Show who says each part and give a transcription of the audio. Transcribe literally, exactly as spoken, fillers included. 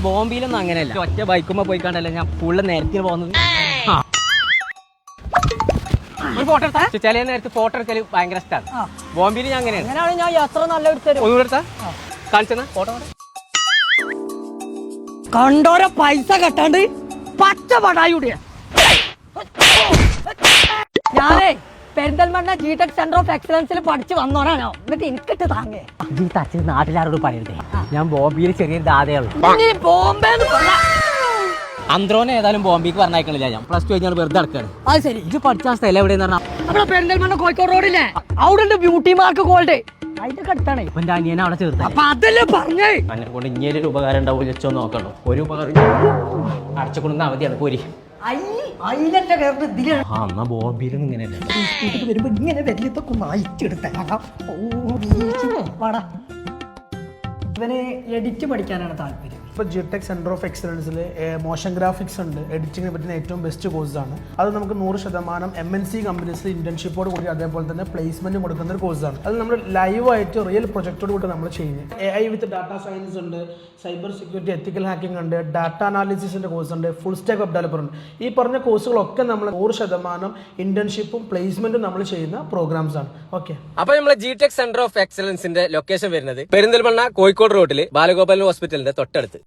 Speaker 1: ബോംബെയിലൊന്നും അങ്ങനെയല്ല. ഒറ്റ ബൈക്കുമ്പോ പോയി കണ്ടല്ലേ ഞാൻ ഫുള്ള് നേരത്തിന് പോകുന്നത്. ഒരു ഫോട്ടോ എടുത്താ ചില നേരത്തെ ഫോട്ടോ എടുത്താൽ ഭയങ്കര ഇഷ്ടമാണ്. ബോംബെയിൽ ഞാൻ അങ്ങനെയാണ്.
Speaker 2: അങ്ങനെയാണ് ഞാൻ യാത്ര നല്ല എടുത്തരും.
Speaker 1: ഒന്നുകൂടെ എടുത്താ കാണിച്ചെന്നാ ഫോട്ടോ
Speaker 2: കണ്ടോരെ പൈസ കെട്ടാണ്ട് പച്ച പടായുടെ ഞാനേ Perinthalmanna G Tech centre of എക്സലൻസിൽ പഠിച്ചു വന്നോരാണോ. എന്നിട്ട് എനിക്കിട്ട് താങ്ങേ
Speaker 1: ഈ തച്ചിന് നാട്ടിലാരോട് പറയരുതേ. ഞാൻ ബോംബെയിൽ ചെറിയൊരു ദാതയുള്ളൂ.
Speaker 2: ബോംബെ
Speaker 1: അന്ത്രോനെ ഏതായാലും ബോംബെക്ക് പറഞ്ഞയക്കണില്ല. ഞാൻ പ്ലസ് ടു കഴിഞ്ഞാൽ വെറുതെ നടക്കാണ്.
Speaker 2: അത് ശരി.
Speaker 1: ഇത് പഠിച്ച സ്ഥലം എവിടെയെന്ന് പറഞ്ഞാൽ
Speaker 2: നമ്മുടെ പെരിന്തൽമണ്ണ കോഴിക്കോട് റോഡില്ലേ അവിടെ ബ്യൂട്ടി മാർക്ക് ഗോൾഡ് അതിന്റെ അടുത്താണ്.
Speaker 1: ഇപ്പൊ എന്റെ അനിയനെ അവിടെ ചേർത്ത്.
Speaker 2: അപ്പൊ അതല്ലേ പറഞ്ഞേ
Speaker 1: എന്നെ കൊണ്ട് ഇനിയൊരു ഉപകാരം ഉണ്ടാവും വെച്ചോ നോക്കണോ. ഒരു ഉപകാരം അടച്ചുകൊണ്ടുന്ന അവധിയാണ് പോരി. ആ എന്നാ ബോംബെയിലും ഇങ്ങനെയല്ലേ
Speaker 2: വരുമ്പോ ഇങ്ങനെ വലിയതൊക്കെ ഒന്ന് അയച്ചെടുത്തേക്കാം. ഇവന് എഡിറ്റ് പഠിക്കാനാണ് താല്പര്യം.
Speaker 3: ഇപ്പോൾ ജി ടെക് സെൻറ്റർ ഓഫ് എക്സലൻസിൽ മോഷൻ ഗ്രാഫിക്സ് ഉണ്ട്. എഡിറ്റിങ്ങിനെ പറ്റുന്ന ഏറ്റവും ബെസ്റ്റ് കോഴ്സാണ് അത്. നമുക്ക് നൂറ് ശതമാനം എം എൻ സി കമ്പനീസിൽ ഇന്റേൺഷിപ്പോട് കൂടി അതേപോലെ തന്നെ പ്ലേസ്മെന്റ് കൊടുക്കുന്ന ഒരു കോഴ്സാണ്. അത് നമ്മൾ ലൈവായിട്ട് റിയൽ പ്രൊജക്റ്റോട് കൂടി നമ്മൾ ചെയ്യുന്നത്. A I with data science ഉണ്ട്, സൈബർ സെക്യൂരിറ്റി, എത്തിക്കൽ ഹാക്കിംഗ് ഉണ്ട്, ഡാറ്റ അനാലിസിസിന്റെ കോഴ്സ് ഉണ്ട്, ഫുൾ സ്റ്റാക്ക് വെബ് ഡെവലപ്പർ ഉണ്ട്. ഈ പറഞ്ഞ കോഴ്സുകളൊക്കെ നമ്മൾ നൂറ് ശതമാനം ഇന്റേൺഷിപ്പും പ്ലേസ്മെന്റും നമ്മൾ ചെയ്യുന്ന പ്രോഗ്രാംസ് ആണ്. ഓക്കെ,
Speaker 1: അപ്പൊ നമ്മളെ ജി ടെക് സെന്റർ ഓഫ് എക്സലൻസിന്റെ ലൊക്കേഷൻ വരുന്നത് പെരിന്തൽമണ്ണ കോഴിക്കോട് റോഡിൽ ബാലഗോപാലൻ ഹോസ്പിറ്റലിന്റെ തൊട്ടടുത്ത്.